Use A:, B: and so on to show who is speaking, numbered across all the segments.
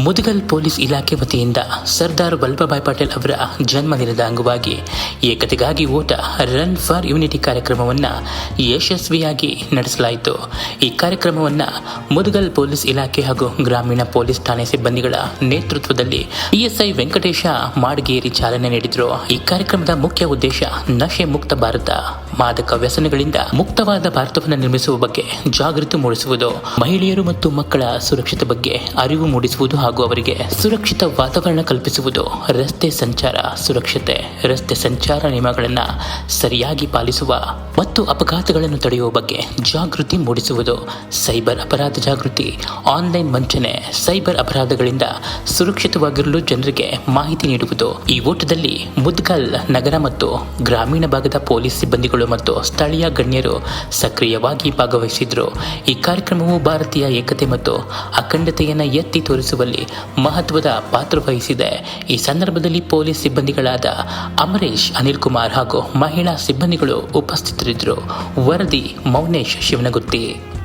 A: Mudgal police ಇಲಾಖೆ ವತಿಯಿಂದ ಸರ್ದಾರ್ ವಲ್ಲಭಭಾಯ್ ಪಟೇಲ್ ಅವರ ಜನ್ಮದಿನದ ಅಂಗವಾಗಿ ಏಕತೆಗಾಗಿ ಓಟ ರನ್ ಫಾರ್ ಯೂನಿಟಿ ಕಾರ್ಯಕ್ರಮವನ್ನು ಯಶಸ್ವಿಯಾಗಿ ನಡೆಸಲಾಯಿತು. ಈ ಕಾರ್ಯಕ್ರಮವನ್ನು ಮುದಗಲ್ ಪೊಲೀಸ್ ಇಲಾಖೆ ಹಾಗೂ ಗ್ರಾಮೀಣ ಪೊಲೀಸ್ ಠಾಣೆ ಸಿಬ್ಬಂದಿಗಳ ನೇತೃತ್ವದಲ್ಲಿ PSI ವೆಂಕಟೇಶ ಮಾಡಗೇರಿ ಚಾಲನೆ ನೀಡಿದರು. ಈ ಕಾರ್ಯಕ್ರಮದ ಮುಖ್ಯ ಉದ್ದೇಶ ನಶೆ ಮುಕ್ತ ಭಾರತ, ಮಾದಕ ವ್ಯಸನಗಳಿಂದ ಮುಕ್ತವಾದ ಭಾರತವನ್ನು ನಿರ್ಮಿಸುವ ಬಗ್ಗೆ ಜಾಗೃತಿ ಮೂಡಿಸುವುದು, ಮಹಿಳೆಯರು ಮತ್ತು ಮಕ್ಕಳ ಸುರಕ್ಷತೆ ಬಗ್ಗೆ ಅರಿವು ಮೂಡಿಸುವುದು ಹಾಗೂ ಅವರಿಗೆ ಸುರಕ್ಷಿತ ವಾತಾವರಣ ಕಲ್ಪಿಸುವುದು, ರಸ್ತೆ ಸಂಚಾರ ಸುರಕ್ಷತೆ, ರಸ್ತೆ ಸಂಚಾರ ನಿಯಮಗಳನ್ನು ಸರಿಯಾಗಿ ಪಾಲಿಸುವ ಮತ್ತು ಅಪಘಾತಗಳನ್ನು ತಡೆಯುವ ಬಗ್ಗೆ ಜಾಗೃತಿ ಮೂಡಿಸುವುದು, ಸೈಬರ್ ಅಪರಾಧ ಜಾಗೃತಿ, ಆನ್ಲೈನ್ ವಂಚನೆ, ಸೈಬರ್ ಅಪರಾಧಗಳಿಂದ ಸುರಕ್ಷಿತವಾಗಿರಲು ಜನರಿಗೆ ಮಾಹಿತಿ ನೀಡುವುದು. ಈ ಓಟದಲ್ಲಿ ಮುದಗಲ್ ನಗರ ಮತ್ತು ಗ್ರಾಮೀಣ ಭಾಗದ ಪೊಲೀಸ್ ಸಿಬ್ಬಂದಿಗಳು ಮತ್ತು ಸ್ಥಳೀಯ ಗಣ್ಯರು ಸಕ್ರಿಯವಾಗಿ ಭಾಗವಹಿಸಿದ್ರು. ಈ ಕಾರ್ಯಕ್ರಮವು ಭಾರತೀಯ ಏಕತೆ ಮತ್ತು ಅಖಂಡತೆಯನ್ನು ಎತ್ತಿ ತೋರಿಸುವಲ್ಲಿ ಮಹತ್ವದ ಪಾತ್ರ ವಹಿಸಿದೆ. ಈ ಸಂದರ್ಭದಲ್ಲಿ ಪೊಲೀಸ್ ಸಿಬ್ಬಂದಿಗಳಾದ ಅಮರೇಶ್, ಅನಿಲ್ ಕುಮಾರ್ ಹಾಗೂ ಮಹಿಳಾ ಸಿಬ್ಬಂದಿಗಳು ಉಪಸ್ಥಿತರಿದ್ದರು. ವರದಿ ಮೌನೇಶ್ ಶಿವನಗುತ್ತಿ.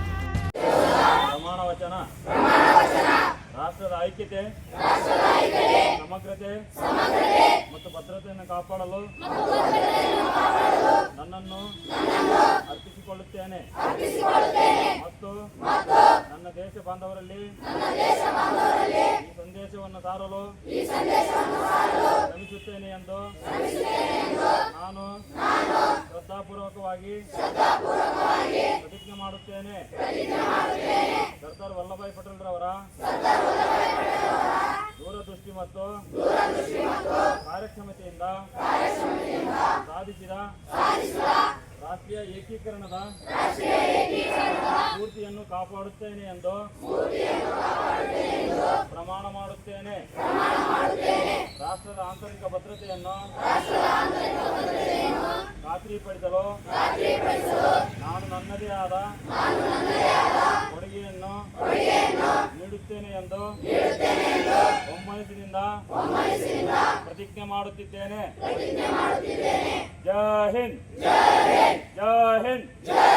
B: ರಾಷ್ಟ್ರದ ಐಕ್ಯತೆ, ಸಮಗ್ರತೆ ಮತ್ತು ಭದ್ರತೆಯನ್ನು ಕಾಪಾಡಲು ನನ್ನನ್ನು ಅರ್ಪಿಸಿಕೊಳ್ಳುತ್ತೇನೆ ಮತ್ತು ನನ್ನ ದೇಶ ಬಾಂಧವರಲ್ಲಿ ಈ ಸಂದೇಶವನ್ನು ಸಾರಲು ಶ್ರಮಿಸುತ್ತೇನೆ ಎಂದು ನಾನು ಶ್ರದ್ಧಾಪೂರ್ವಕವಾಗಿ ಪ್ರತಿಜ್ಞೆ ಮಾಡುತ್ತೇನೆ. ಸರ್ದಾರ್ ವಲ್ಲಭಭಾಯ್ ಪಟೇಲ್ ರವರ ದೂರದೃಷ್ಟಿ ಮತ್ತು ಕಾರ್ಯಕ್ಷಮತೆಯಿಂದ ಸಾಧಿಸಿದ ರಾಷ್ಟ್ರೀಯ ಏಕೀಕರಣದ ಸ್ಫೂರ್ತಿಯನ್ನು ಕಾಪಾಡುತ್ತೇನೆ ಎಂದು ಪ್ರಮಾಣ ಮಾಡುತ್ತೇನೆ. ರಾಷ್ಟ್ರದ ಆಂತರಿಕ ಭದ್ರತೆಯನ್ನು ಖಾತ್ರಿಪಡಿಸಲು ನಾನು ನನ್ನದೇ ಆದ ಕೊಡುಗೆಯನ್ನು ನೀಡುತ್ತೇನೆ ಎಂದು ಒಮ್ಮನಸ್ಸಿನಿಂದ ಪ್ರತಿಜ್ಞೆ ಮಾಡುತ್ತಿದ್ದೇನೆ. ಜೈ ಹಿಂದ್, ಜೈ ಹಿಂದ್.